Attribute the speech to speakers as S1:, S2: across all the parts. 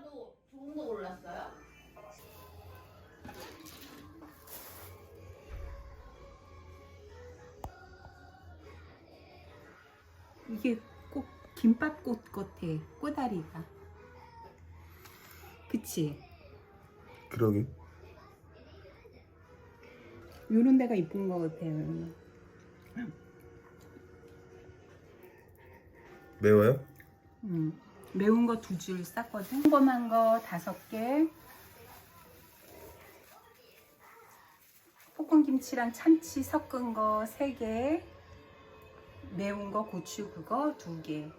S1: 아빠도 좋은 거 골랐어요?
S2: 이게 꼭 김밥꽃 같아, 꼬다리가. 그치?
S3: 그러게.
S2: 요런 데가 이쁜 거 같아요.
S3: 매워요?
S2: 매운 거 2줄 쌌거든. 평범한 거 5개. 볶음김치랑 참치 섞은 거 3개. 매운 거 고추 그거 2개.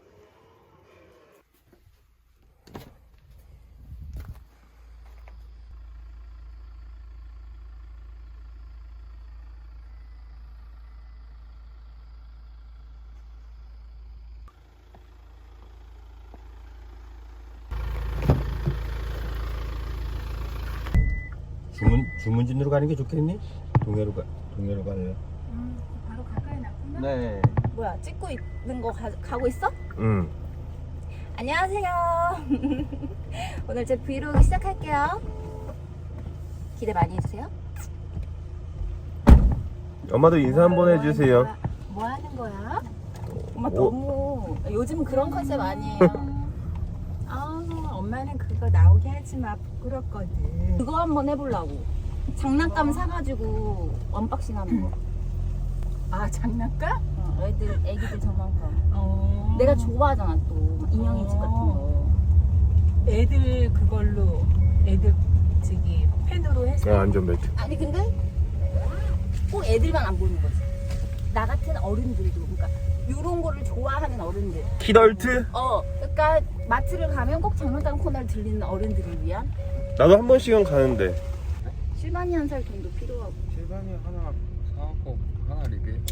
S3: 주문진으로 가는 게 좋겠니? 동해로 갈래요?
S2: 바로 가까이 놨구나.
S3: 네.
S1: 뭐야, 찍고 있는 거 가고 있어?
S3: 응.
S1: 안녕하세요. 오늘 제 브이로그 시작할게요. 기대 많이 해주세요.
S3: 엄마도 인사 한번 해주세요.
S1: 뭐 하는 거야? 엄마
S3: 오.
S1: 너무 요즘 그런 컨셉 아니에요.
S2: 아, 엄마는 그거 나오게 하지 마. 부끄럽거든.
S1: 그거 한번 해보려고. 장난감 사가지고 언박싱 하는 거.
S2: 아, 장난감?
S1: 애기들 장난감. 내가 좋아하잖아 또 인형의 집 같은 거.
S2: 애들 그걸로 애들 저기 펜으로 해서
S3: 안전벨트.
S1: 아니 근데 꼭 애들만 안 보는 거지. 나 같은 어른들도, 그러니까 요런 거를 좋아하는 어른들.
S3: 키덜트?
S1: 그러니까 마트를 가면 꼭 장난감 코너를 들리는 어른들을 위한.
S3: 나도 한 번씩은 가는데.
S1: 실반이 한 살 돈도 필요하고.
S4: 실반이 하나 사갖고 하나 리뷰해봐.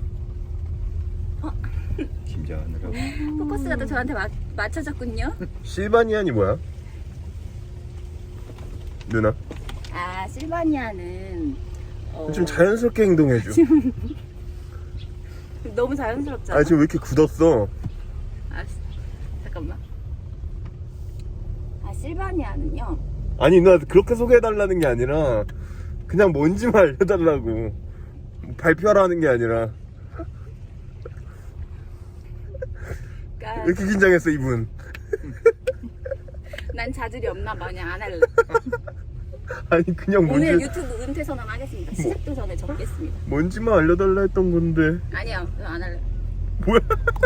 S3: 긴장하느라고.
S1: 포커스가 또 저한테 맞춰졌군요.
S3: 실바니안이 뭐야? 누나?
S1: 아, 실바니아는
S3: 좀 자연스럽게 행동해줘.
S1: 너무 자연스럽잖아.
S3: 아 지금 왜 이렇게 굳었어?
S1: 알았어. 잠깐만. 아, 실바니아는요.
S3: 아니 누나 그렇게 소개해달라는 게 아니라 그냥 뭔지만 알려달라고. 발표하라는 게 아니라.
S1: 그러니까
S3: 왜 이렇게 긴장했어 이분?
S1: 난 자질이 없나 마냥 안 할래.
S3: 아니 그냥
S1: 오늘
S3: 뭔지,
S1: 유튜브 은퇴 선언하겠습니다. 시작도 전에 적겠습니다.
S3: 뭔지만 알려달라 했던 건데.
S1: 아니요, 안 할래.
S3: 뭐야?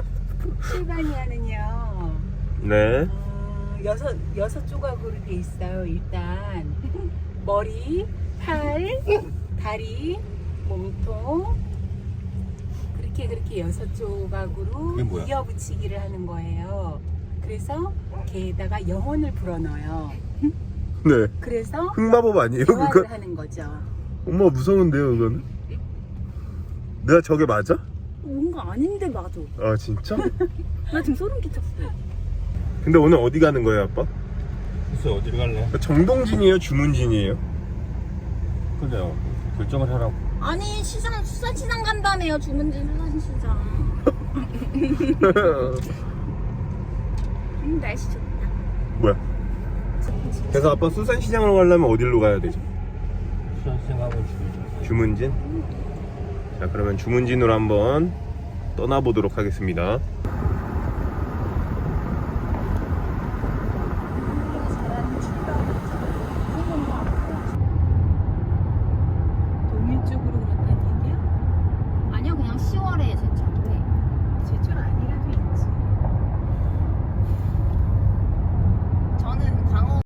S2: 실바니아는요.
S3: 네.
S2: 여섯 조각으로 돼 있어요. 일단 머리, 팔, 다리, 몸통 그렇게 6조각으로
S3: 그게 뭐야?
S2: 이어붙이기를 하는 거예요. 그래서 걔에다가 영혼을 불어넣어요.
S3: 네.
S2: 그래서
S3: 흑마법 아니에요
S2: 대화를
S3: 그거?
S2: 하는 거죠.
S3: 엄마 무서운데요 그거는? 내가 저게 맞아?
S1: 뭔가 아닌데 맞아.
S3: 아 진짜?
S1: 나 지금 소름 끼쳤어.
S3: 근데 오늘 어디 가는 거예요 아빠?
S4: 글쎄 어디로 갈래?
S3: 정동진이에요 주문진이에요?
S4: 그래요. 결정을 하라고.
S1: 아니, 수산시장 간다며요. 주문진 수산시장. 날씨 좋다.
S3: 뭐야? 그래서 아빠 수산시장으로 가려면 어디로 가야 되죠?
S4: 수산생각은 주의죠.
S3: 주문진? 자 그러면 주문진으로 한번 떠나보도록 하겠습니다.